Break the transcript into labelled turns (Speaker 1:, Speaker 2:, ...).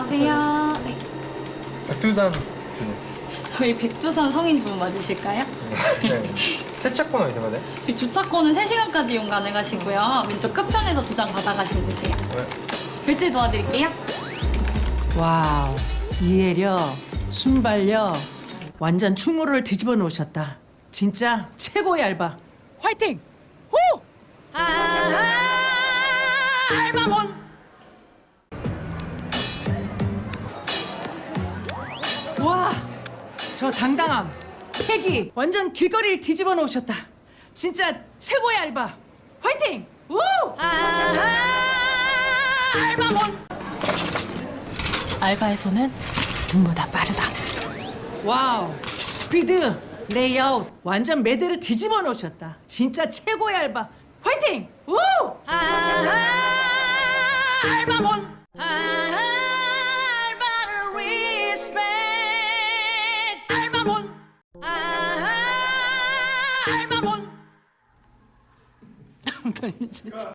Speaker 1: 안녕하세요. 네.
Speaker 2: 백두산 주님.
Speaker 1: 저희 백두산 성인 주문 맞으실까요?
Speaker 2: 네. 세차권 어디 가네?
Speaker 1: 저희 주차권은 3시간까지 이용 가능하시고요. 왼쪽 끝편에서 도장 받아가시면 되세요.
Speaker 2: 네.
Speaker 1: 결제 도와드릴게요.
Speaker 3: 와우, 이해력, 순발력, 완전 충무를 뒤집어 놓으셨다. 진짜 최고의 알바. 화이팅! 호! 알바몬! 와, 저 당당함, 패기, 완전 길거리를 뒤집어 놓으셨다. 진짜 최고의 알바. 화이팅! 우! 알바몬!
Speaker 4: 알바에서는 눈보다 빠르다.
Speaker 3: 와우, 스피드, 레이아웃, 완전 매대를 뒤집어 놓으셨다. 진짜 최고의 알바. 화이팅! 우! 알바몬! 알바를 리스펙! 알바몬! 알바몬! 진짜.